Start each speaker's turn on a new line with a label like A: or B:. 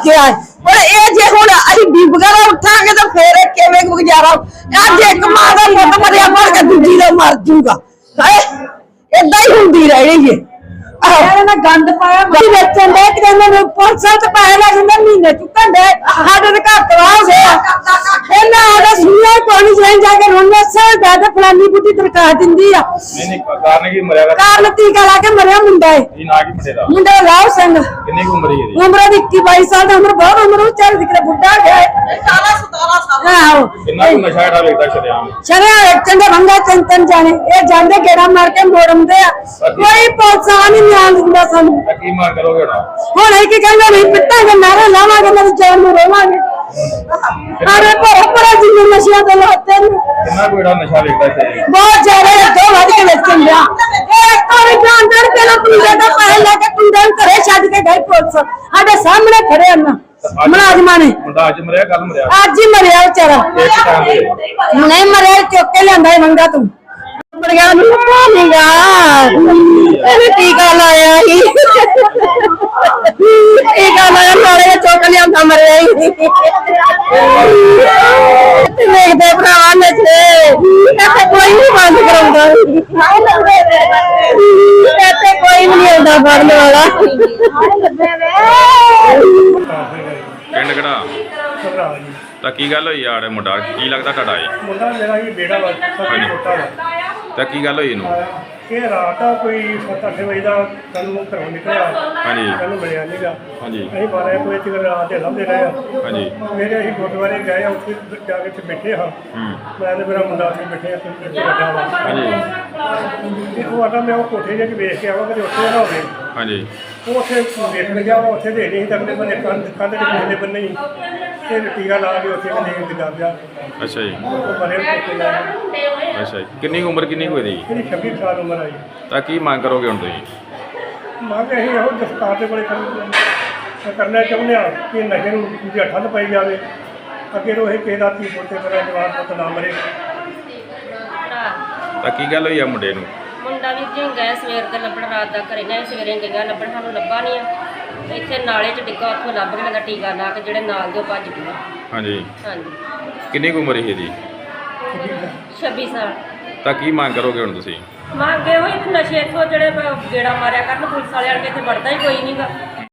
A: ਵਾਕਿਆ ਹੈ। ਪਰ ਇਹ ਜੇ ਹੁਣ ਅਸੀਂ ਬੀਬੀਆਂ ਦਾ ਉੱਠਾਂਗੇ ਤਾਂ ਫੇਰ ਕਿਵੇਂ ਗੁਜ਼ਾਰਾ। ਅੱਜ ਇੱਕ ਮਾਂ ਦਾ ਪੁੱਤ ਮਰਿਆ ਮਰ ਕੇ ਦੂਜੀ ਦਾ ਮਰ ਜੂਗਾ। ਏਦਾਂ ਹੀ ਹੁੰਦੀ ਰਹਿਣੀ ਹੈ।
B: ਇਹਨਾਂ ਗੰਦ ਪਾਇਆ ਮੱਛੀ ਵੇਚਣ ਦੇ ਕਿ ਇਹਨਾਂ ਪੁਲਿਸਾਂ ਤੇ ਪੈਸੇ ਲੱਗ ਜਾਂਦੇ ਮਹੀਨੇ ਚੁੱਕਣ ਦੇ ਸਾਡੇ ਦੇ ਘਰ ਤਵਾ ਹੋ ਗਿਆ ਇਹਨਾਂ ਆਦਾ ਸੁਣਿਆ ਕੋਈ ਨਹੀਂ ਜਾ ਕੇ ਰੋਣੇ ਸਰ ਦਾਦਾ ਫਲਾਨੀ ਬੁੱਢੀ ਦਰਖਾਸਤ ਦਿੰਦੀ ਆ।
C: ਨਹੀਂ ਕਾਰਨ ਕੀ ਮਰਿਆ
B: ਕਾਰਨ ਟੀਕਾ ਲਾ ਕੇ ਮਰਿਆ ਮੁੰਡਾ ਹੈ।
C: ਇਹ ਨਾ ਕੀ ਮੁੰਡੇ ਦਾ
B: ਮੁੰਡਾ ਲਾਭ ਸਿੰਘ
C: ਕਿੰਨੀ ਉਮਰ ਹੈ ਇਹਦੀ?
B: ਉਮਰ ਦੀ 21-22 ਸਾਲ ਦੀ ਉਮਰ ਬਹੁਤ ਉਮਰ ਉਹ ਚੱਲ ਦਿਖਦਾ ਬੁੱਢਾ ਗਿਆ ਹੈ।
A: 17 ਸਾਲ
B: ਆਹੋ
C: ਕਿੰਨਾ ਕੁ ਨਸ਼ਾ ਡਾ ਵੇਚਦਾ ਸ਼ਰਿਆਮ?
B: ਚਲਿਆ ਚੰਗਾ ਰੰਗਾ ਚੰਤਨ ਜਾਣੇ ਇਹ ਜਾਂਦੇ ਗੇੜਾ ਮਾਰ ਕੇ ਮੋੜਮਦੇ ਆ ਕੋਈ ਪੁਲਿਸ ਆ ਨਹੀਂ ਨਿਆਲ ਦਿੰਦਾ ਸਾਨੂੰ।
C: ਕੀ ਮੰਗ ਕਰੋਗੇ ਨਾ?
B: ਹੁਣ ਇਹ ਕੀ ਕਹਿੰਦੇ ਨਹੀਂ ਪਿੱਟਾਂਗੇ ਨਾਰੇ ਲਾਵਾਂਗੇ ਮੇਰੀ ਜਾਨ ਨੂੰ ਰੋਵਾਂਗੇ। ਅਰੇ ਪਰ ਜਿੰਨੇ ਨਸ਼ਿਆਂ ਦੇ ਲਾਤੇ ਨੇ
C: ਕਿੰਨਾ ਕੋਈ ਨਸ਼ਾ ਵੇਚਦਾ ਸੀ?
B: ਬਹੁਤ ਜ਼ਿਆਦਾ ਦੋ ਵੱਧ ਕੇ ਵੇਚਣ ਲਿਆ ਇਹ ਕੋਈ ਜਾਣਦਾਰ ਪਹਿਲਾਂ ਪੁਲਿਸ ਦਾ ਪੈਸੇ ਲੈ ਕੇ ਕੁੰਡੇ ਨੂੰ ਘਰੇ ਛੱਡ ਕੇ ਗਏ ਪੁਲਿਸ ਸਾਡੇ ਸਾਹਮਣੇ ਖੜੇ ਹਨ ਮੁਲਾਜ਼ਮਾਂ ਨੇ।
C: ਮੁੰਡਾ ਅੱਜ ਮਰਿਆ ਕੱਲ ਮਰਿਆ?
B: ਅੱਜ ਹੀ ਮਰਿਆ ਵਿਚਾਰਾ। ਨਹੀਂ ਮਰਿਆ ਚੁੱਕ ਕੇ ਲਿਆਂਦਾ ਮੰਗਾ ਤੂੰ ਮਰਿਆ ਨੂੰ ਪਾਣੀਗਾ ਇਹਨੇ ਟੀਕਾ ਲਾਇਆ ਹੀ ਟੀਕਾ ਲਾਇਆ ਨਾਲੇ ਚੁੱਕ ਲਿਆਂਦਾ ਮਰਿਆ ਹੀ ਵੇਖਦੇ ਭਰਾਵਾ ਨਸ਼ੇ ਇੱਥੇ ਕੋਈ ਨਹੀਂ ਬੰਦ ਕਰਾਉਂਦਾ ਇੱਥੇ ਕੋਈ ਨਹੀਂ ਆਉਂਦਾ ਫੜਨ ਵਾਲਾ।
C: ਪਿੰਡ ਕਿਹੜਾ? ਤਾਂ ਕੀ ਗੱਲ ਹੋਈ ਯਾਰ? ਮੁੰਡਾ ਕੀ ਲੱਗਦਾ ਤੁਹਾਡਾ? ਇਹ
D: ਮੁੰਡਾ ਮੇਰਾ ਹੀ ਬੇੜਾ ਵਾ
C: ਹਾਂਜੀ।
D: ਛੋਟਾ ਵਾ
C: ਤਾਂ ਕੀ ਗੱਲ ਹੋਈ ਇਹਨੂੰ?
D: ਇਹ ਰਾਤ ਆ ਕੋਈ 7-8 ਵਜੇ ਦਾ ਕੱਲ ਘਰੋਂ ਨਿਕਲਿਆ
C: ਹਾਂਜੀ
D: ਕੱਲ ਮਿਲਿਆ ਨਹੀਂਗਾ।
C: ਹਾਂਜੀ
D: ਅਸੀਂ 12 ਵਜੇ ਤੱਕ ਰਾਤ ਦੇ ਲੱਭਦੇ ਰਹੇ ਆ।
C: ਹਾਂਜੀ
D: ਮੇਰੇ ਅਸੀਂ ਗੁਰਦੁਆਰੇ ਗਏ ਆ ਉੱਥੇ ਜਾ ਕੇ ਬੈਠੇ ਹਾਂ ਮੈਂ ਤੇ ਮੇਰਾ ਮੁੰਡਾ ਉੱਥੇ ਬੈਠੇ ਆ ਵੱਡਾ ਵਾ
C: ਹਾਂਜੀ
D: ਤੇ ਉਹ ਆਟਾ ਮੈਂ ਉਹ ਕੋਠੇ ਜਿਹੇ 'ਚ ਵੇਖ ਕੇ ਆਵਾਂ ਕਿ ਉੱਥੇ ਨਾ ਹੋਵੇ।
C: ਹਾਂਜੀ
D: ਉਹ ਉੱਥੇ ਵੇਖਣ ਗਿਆ ਵਾ ਉੱਥੇ ਦੇ ਨਹੀਂ ਤੱਕਦੇ ਬੰਦੇ ਕੰਧ ਦੇ ਪਿਛਲੇ ਬੰਨੇ ਹੀ ਤੇ ਟੀਕਾ ਲਾ ਕੇ ਉੱਥੇ ਬੰਦੇ ਦਿਖਾ ਗਿਆ।
C: ਅੱਛਾ ਜੀ
D: ਉਹ ਬਰੇ ਕੋਠੇ ਲਾ ਕੇ
C: ਅੱਛਾ ਜੀ ਕਿੰਨੀ ਕੁ ਉਮਰ ਕਿੰਨੀ ਕੁ ਇਹਦੀ?
D: ਇਹਦੀ 26 ਸਾਲ ਉਮਰ ਆਈ।
C: ਤਾਂ ਕੀ ਮੰਗ ਕਰੋਗੇ ਹੁਣ ਤੁਸੀਂ?
D: ਮੰਗ ਅਸੀਂ ਇਹੋ ਦਸਤਾਰ ਦੇ ਕੋਲੇ ਕਰਨਾ ਚਾਹੁੰਦੇ ਹਾਂ ਕਿ ਨਸ਼ੇ ਨੂੰ ਦੂਜੀ ਠੱਲ ਪਾਈ ਜਾਵੇ ਅੱਗੇ ਤੋਂ ਇਹ ਕਿਸੇ ਦਾ ਧੀ ਪੋਤੇ ਮੇਰਾ ਜਵਾਨ ਪੁੱਤ ਨਾ ਮਰੇ।
C: ਤਾਂ ਕੀ ਗੱਲ ਹੋਈ ਆ ਮੁੰਡੇ ਨੂੰ?
E: ਮੁੰਡਾ ਵੀ ਜੀ ਗਏ ਸਵੇਰ ਦੇ ਲੱਭਣ ਰਾਤ ਦਾ ਘਰੇ ਗਏ ਸਵੇਰੇ ਗਈਆਂ ਲੱਭਣ ਸਾਨੂੰ ਲੱਭਾ ਨਹੀਂ ਆ ਇੱਥੇ ਨਾਲੇ 'ਚ ਡਿੱਗਾ ਉੱਥੋਂ ਲੱਭ ਕੇ ਕਹਿੰਦਾ ਟੀਕਾ ਲਾ ਕੇ ਜਿਹੜੇ ਨਾਲ ਦੇ ਉਹ ਭੱਜ ਗਏ।
C: ਹਾਂਜੀ
E: ਹਾਂਜੀ
C: ਕਿੰਨੀ ਕੁ ਉਮਰ ਸੀ ਇਹਦੀ?
E: 26 ਸਾਲ।
C: ਤਾਂ ਕੀ ਮੰਗ ਕਰੋਗੇ ਹੁਣ ਤੁਸੀਂ?
E: ਮੰਗੇ ਹੋਈ ਨਸ਼ੇ ਇੱਥੋਂ ਜਿਹੜੇ ਗੇੜਾ ਮਾਰਿਆ ਕਰਨ ਪੁਲਿਸ ਵਾਲਿਆਂ ਨੇ ਇੱਥੇ ਵੜਦਾ ਹੀ ਕੋਈ ਨਹੀਂਗਾ।